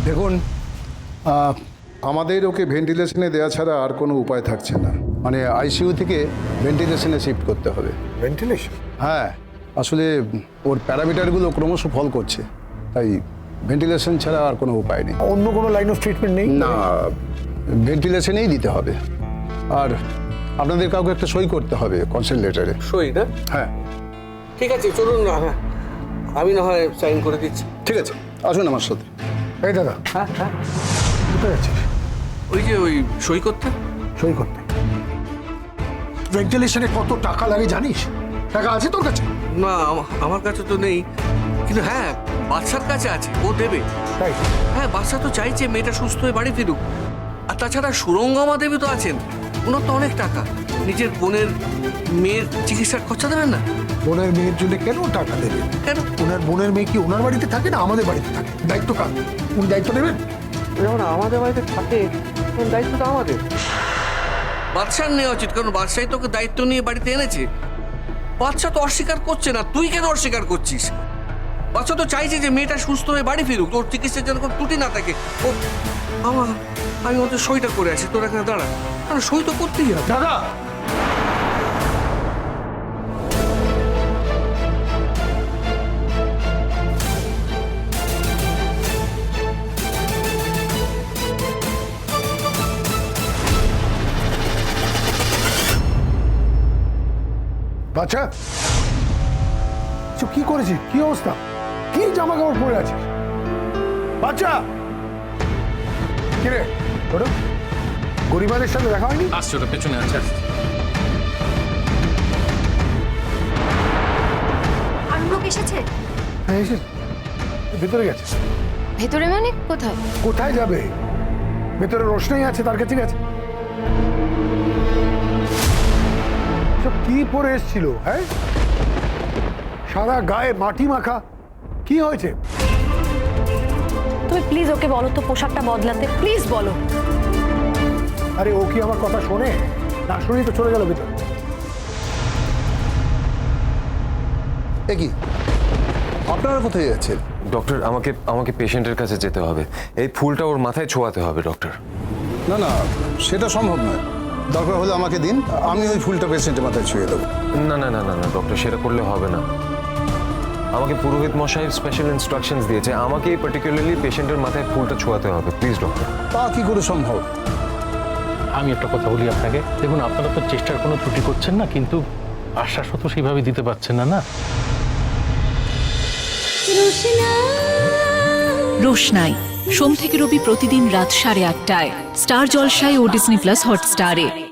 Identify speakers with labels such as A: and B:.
A: দেখুন, আমাদের ওকে ভেন্টিলেশনে দেওয়া ছাড়া আর কোনো উপায় থাকছে না। মানে আইসিইউ থেকে ভেন্টিলেশনে শিফট করতে হবে।
B: ভেন্টিলেশন?
A: হ্যাঁ, আসলে ওর প্যারামিটারগুলো ক্রমশ ফল করছে, তাই ভেন্টিলেশন ছাড়া আর কোনো উপায় নেই।
B: অন্য কোনো লাইন অফ ট্রিটমেন্ট নেই?
A: না, ভেন্টিলেশনেই দিতে হবে। আর আপনাদের কাউকে একটা সই করতে হবে কনসেন্ট লেটারে।
C: সই না?
A: হ্যাঁ,
C: ঠিক আছে, চলুন না, হ্যাঁ আমি না হয় সাইন করে দিচ্ছি।
A: ঠিক আছে, আসুন আমার সাথে।
B: এই দাদা,
C: হ্যাঁ হ্যাঁ,
B: কোথায় যাচ্ছিস?
C: ওই সই করতে।
B: সই করতে? ভেন্টিলেশনে কত টাকা লাগে জানিস? টাকা আছে তোর কাছে?
C: না, আমার কাছে তো নেই, কিন্তু হ্যাঁ বাদশার কাছে আছে, ও দেবে।
B: তাই?
C: হ্যাঁ, বাদশা তো চাইছে মেয়েটা সুস্থ হয়ে বাড়ি ফিরুক। আর তাছাড়া সুরঙ্গমা দেবী তো আছেন, ওনার তো অনেক টাকা। নিজের বোনের মেয়ের চিকিৎসার খরচা দেবেন না?
B: বোনের মেয়ের জন্য কেন টাকা দেবে?
C: কেন?
B: ওনার বোনের মেয়ে কি ওনার বাড়িতে থাকে না আমাদের বাড়িতে থাকে? দায়িত্ব কার? উনি দায়িত্ব নেবেন?
C: যখন আমাদের বাড়িতে থাকে তখন দায়িত্বটা আমাদের। বাদশার নেওয়া উচিত, কারণ বাদশাই তোকে দায়িত্ব নিয়ে বাড়িতে এনেছে। বাদশা তো অস্বীকার করছে না, তুই কেন অস্বীকার করছিস? বাদশা তো চাইছে যে মেয়েটা সুস্থ হয়ে বাড়ি ফিরুক, তোর চিকিৎসার যেন কোনো ত্রুটি না থাকে। ও আমি ওদের সইটা করে আছি, তোর এখানে দাঁড়া। আরে সই তো করতেই হবে।
B: দাদা, বাচ্চা কি করেছিস? কি অবস্থা? কি জামা কাপড় পরে আছিস? বাচ্চা কিরে, ওটা গরিবাদের সাথে দেখা হয়নি?
D: আসছে, ওটা পেছনে আছে।
E: আর লোক এসেছে?
B: হ্যাঁ, এসে ভেতরে গেছে।
E: ভেতরে মানে কোথায়?
B: কোথায় যাবে? ভেতরে রোশনাই আছে, তার কাছে গেছে। সব কি পরে এসেছিল? হ্যাঁ, সারা গায়ে মাটি মাখা। কি হয়েছে?
F: তুমি প্লিজ ওকে বলো তো পোশাকটা বদলাতে, প্লিজ বলো।
B: আরে ও কি আমার কথা শোনে? না শুনেই তো চলে গেল ভেতরে।
A: এ কি, আপনারা কোথায় যাচ্ছেন?
G: ডক্টর, আমাকে পেশেন্টের কাছে যেতে হবে। এই ফুলটা ওর মাথায় ছোঁয়াতে হবে ডক্টর।
A: না না, সেটা সম্ভব নয়। দরকার হলে আমাকে দিন, আমি ওই ফুলটা পেশেন্টের মাথায় ছুঁয়ে দেবো।
G: না না না না না ডক্টর, সেটা করলে হবে না। আমাকে পুরোহিত মশাই স্পেশাল ইনস্ট্রাকশনস দিয়েছে, আমাকে এই পার্টিকুলারলি পেশেন্টের মাথায় ফুলটা ছোঁয়াতে হবে। Please doctor.
A: তা কি করে সম্ভব?
D: আমি একটা কথা বলি আপনাকে, দেখুন আপনারা তো চেষ্টার কোনো ত্রুটি করছেন না, কিন্তু আশ্বাসও তো সেইভাবে দিতে পারছেন না। না,
H: রোশনাই সোম থেকে রবি প্রতিদিন রাত 8:30টায় স্টার জলসায় ও ডিজনি প্লাস হটস্টারে।